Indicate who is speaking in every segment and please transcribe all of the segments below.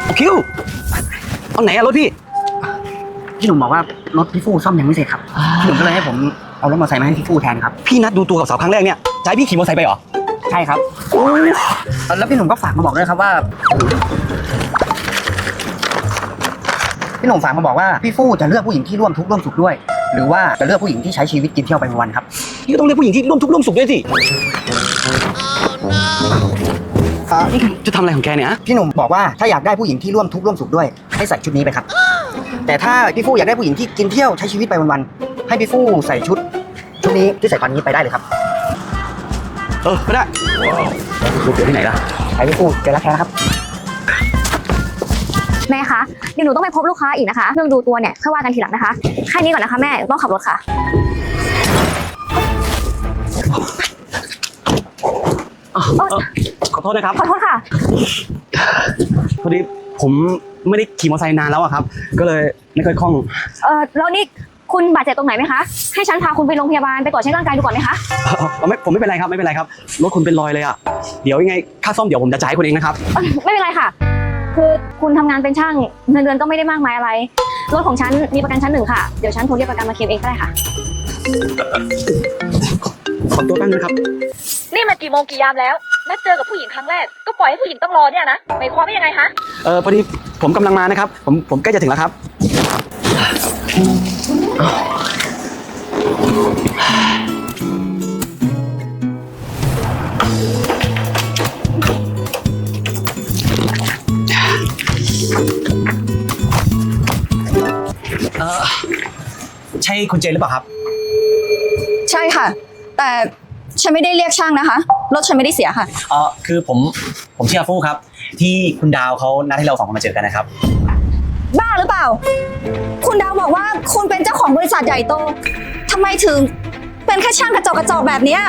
Speaker 1: คิวเอาไหนอะรถพี่
Speaker 2: พี่หนุ่มบอกว่ารถพี่ฟู่ซ่อมยังไม่เสร็จครับพี่หนุ่มก็เลยให้ผมเอารถมอเตอร์ไซค์มาให้พี่ฟู่แทนครับ
Speaker 1: พี่นัดดูตัวกับสาวครั้งแรกเนี่ยจะให้พี่ขี่มอเตอร์ไซค์ไปเหรอ
Speaker 2: ใช่ครับแล้วพี่หนุ่มก็ฝากมาบอกด้วยครับว่าพี่หนุ่มฝากมาบอกว่าพี่ฟู่จะเลือกผู้หญิงที่ร่วมทุกข์ร่วมสุขด้วยหรือว่าจะเลือกผู้หญิงที่ใช้ชีวิตกินเที่ยวไปวันๆครับ
Speaker 1: พี่ก็ต้องเลือกผู้หญิงที่ร่วมทุกข์ร่วมสุขด้วยสิจะทำอะไรของแกเนี่ย
Speaker 2: พี่หนุ่มบอกว่าถ้าอยากได้ผู้หญิงที่ร่วมทุกข์ร่วมสุขด้วยให้ใส่ชุดนี้ไปครับแต่ถ้าพี่ฟู่อยากได้ผู้หญิงที่กินเที่ยวใช้ชีวิตไปวันๆให้พี่ฟู่ใส่ชุดนี้ที่ใส่ตอนนี้ไปได้เลยครับ
Speaker 1: ก็ได้ลูกเกิดที่ไหนล่ะ
Speaker 2: ไปพี่ฟู่เจอแล้วแค่นะครับ
Speaker 3: แม่คะเดี๋ยวหนูต้องไปพบลูกค้าอีกนะคะเรื่องดูตัวเนี่ยค่อยว่ากันทีหลังนะคะแค่นี้ก่อนนะคะแม่ต้องขับรถค่ะ
Speaker 1: ขอโทษนะครับ
Speaker 3: ขอโทษค่ะ
Speaker 1: พอดีผมไม่ได้ขี่มอเตอร์ไซค์นานแล้วอะครับก็เลยไม่ค่อยคล่อง
Speaker 3: แล้วนี่คุณบาดเจ็บตรงไหนไหมคะให้ฉันพาคุณไปโรงพยาบาลไปตรวจเช็คร่างกายดูก่อนไหมคะ
Speaker 1: ผมไม่เป็นไรครับไม่เป็นไรครับรถคุณเป็นรอยเลยอะเดี๋ยวยังไงค่าซ่อมเดี๋ยวผมจะจ่ายคุณเองนะครับ
Speaker 3: ไม่เป็นไรค่ะคือคุณทำงานเป็นช่างเงินเดือนก็ไม่ได้มากมายอะไรรถของฉันมีประกันชั้น 1ค่ะเดี๋ยวฉันโทรเรียกประกันมาเคลมเองก็ได้ค่ะ
Speaker 1: ขอตัวแป๊บนึงครับ
Speaker 4: นี่มันกี่โมงกี่ยามแล้วนัดเจอกับผู้หญิงครั้งแรกก็ปล่อยให้ผู้หญิงต้องรอเนี่ยนะหมายความว่ายังไงคะ
Speaker 1: พอดีผมกำลังมานะครับผมใกล้จะถึงแล้วครับใช่คุณเจนหรือเปล่าครับ
Speaker 5: ใช่ค่ะแต่ฉันไม่ได้เรียกช่างนะคะรถฉันไม่ได้เสียค่ะ
Speaker 1: คือผมชื่ออาฟูครับที่คุณดาวเขานัดให้เรา2 คนมาเจอกันนะครับ
Speaker 5: บ้าหรือเปล่าคุณดาวบอกว่าคุณเป็นเจ้าของบริษัทใหญ่โตทำไมถึงเป็นแค่ช่างกระจอกแบบนี้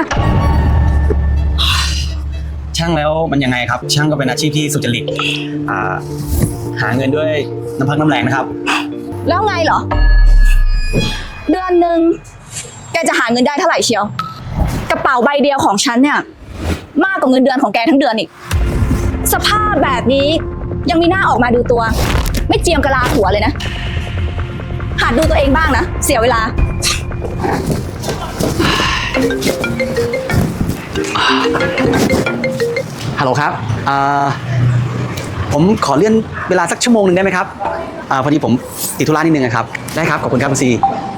Speaker 1: ช่างแล้วมันยังไงครับช่างก็เป็นอาชีพที่สุจริตหาเงินด้วยน้ำพักน้ำแรงนะครับ
Speaker 5: แล้วไงเหรอเดือนหนึ่งแกจะหาเงินได้เท่าไหร่เชียวกระเป๋าใบเดียวของฉันเนี่ยมากกว่าเงินเดือนของแกทั้งเดือนอีกสภาพแบบนี้ยังมีหน้าออกมาดูตัวไม่เจียมกะลาหัวเลยนะหัดดูตัวเองบ้างนะเสียเวลา
Speaker 1: ฮัลโหลครับผมขอเลื่อนเวลาสักชั่วโมงนึงได้ไหมครับพอดีผมติดธุระนิดนึงครับได้ครับขอบคุณครับคุณซี